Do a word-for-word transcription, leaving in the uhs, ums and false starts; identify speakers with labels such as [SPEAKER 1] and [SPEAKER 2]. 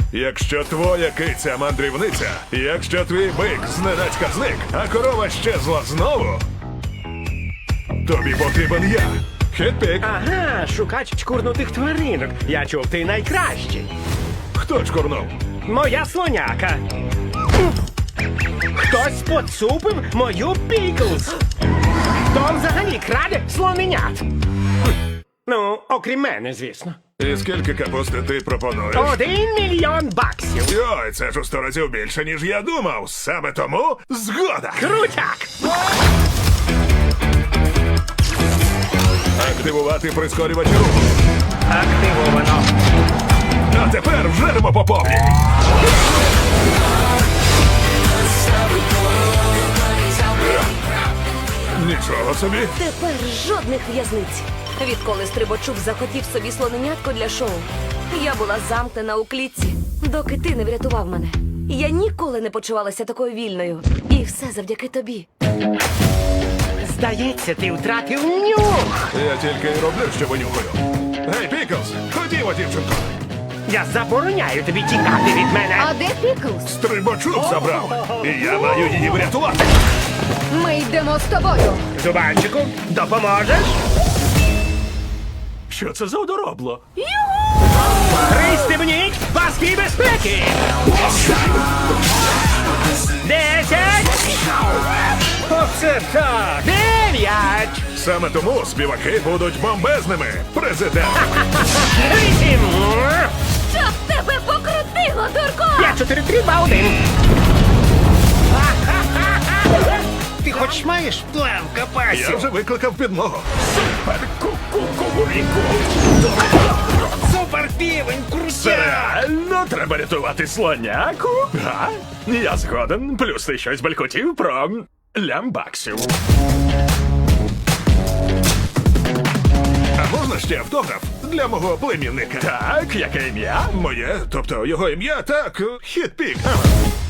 [SPEAKER 1] Якщо твоя киця мандрівниця, якщо твій бик зненацька зник, а корова щезла знову, тобі потрібен я. Хетпік.
[SPEAKER 2] Ага, шукач чкурнутих тваринок. Я чув, ти найкращий.
[SPEAKER 1] Хто чкурнув?
[SPEAKER 2] Моя слоняка. Хтось поцупив мою Піклз. Хто взагалі краде слоненят? Ну, окрім мене, звісно.
[SPEAKER 1] І скільки капусти ти пропонуєш?
[SPEAKER 2] Один мільйон баксів.
[SPEAKER 1] Йой, це ж у сто разів більше, ніж я думав. Саме тому згода.
[SPEAKER 2] Крутяк!
[SPEAKER 1] Активувати прискорювач руху.
[SPEAKER 2] Активовано.
[SPEAKER 1] А тепер вжеремо по повній. Нічого собі.
[SPEAKER 3] Тепер жодних в'язниць. Відколи Стрибачук захотів собі слоненятко для шоу, я була замкнена у клітці, доки ти не врятував мене. Я ніколи не почувалася такою вільною. І все завдяки тобі.
[SPEAKER 2] Здається, ти втратив нюх.
[SPEAKER 1] Я тільки й роблю, що винюхаю. Гей, Піклз, ходімо, дівчинко.
[SPEAKER 2] Я забороняю тобі тікати від мене.
[SPEAKER 4] А де Піклз?
[SPEAKER 1] Стрибачук забрав. І я маю її врятувати.
[SPEAKER 4] Ми йдемо з тобою.
[SPEAKER 2] Зубанчику, допоможеш?
[SPEAKER 1] Що це за одоробло?
[SPEAKER 2] Пристебніть паски безпеки! Десять! Оце так! Дев'ять!
[SPEAKER 1] Саме тому співаки будуть бомбезними. Президент.
[SPEAKER 2] Вісім!
[SPEAKER 3] Щоб тебе покрутило, дурко!
[SPEAKER 2] П'ять, чотири, три, два, один! Ти хоч маєш план капасів?
[SPEAKER 1] Я вже викликав підмогу.
[SPEAKER 2] Супер півень, крутяк!
[SPEAKER 5] Реально треба рятувати слоняку? Га? Я згоден. Плюс ти щось балькотів про лямбаксів.
[SPEAKER 1] А можна ще автограф для мого племінника?
[SPEAKER 5] Так, яке ім'я?
[SPEAKER 1] Моє, тобто його ім'я, так, Хетпік. Ага.